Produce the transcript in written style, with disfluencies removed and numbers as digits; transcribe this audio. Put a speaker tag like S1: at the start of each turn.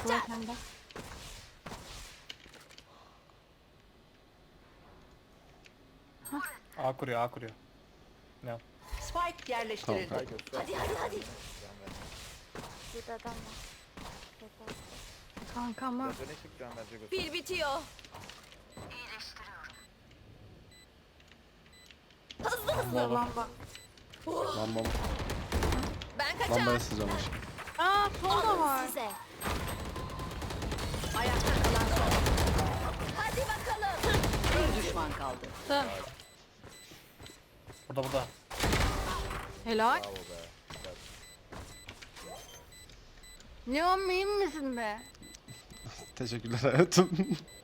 S1: kaçar.
S2: sende.
S3: A kuruyor, A kuruyor. Ne?
S4: Spike yerleştirildi.
S5: Tamam,
S1: Hadi.
S6: Burada adam var. Yeter.
S2: Kanka ama
S7: Biraz öne çık can bence göster.
S1: Pil bitiyor. Hızlı hızlı.
S2: lamba.
S5: Lambam.
S1: Ben kaçar.
S5: Lambaya sızacağım aşkım.
S2: Aa sol da
S1: Alın
S2: var.
S1: size.
S4: Ayakta kalan son.
S1: Hadi bakalım.
S4: Bir düşman kaldı.
S2: Dı.
S3: Burada.
S2: Helal.
S7: Bravo be. Güzel.
S2: Leon miyim misin be?
S5: Teşekkürler hayatım.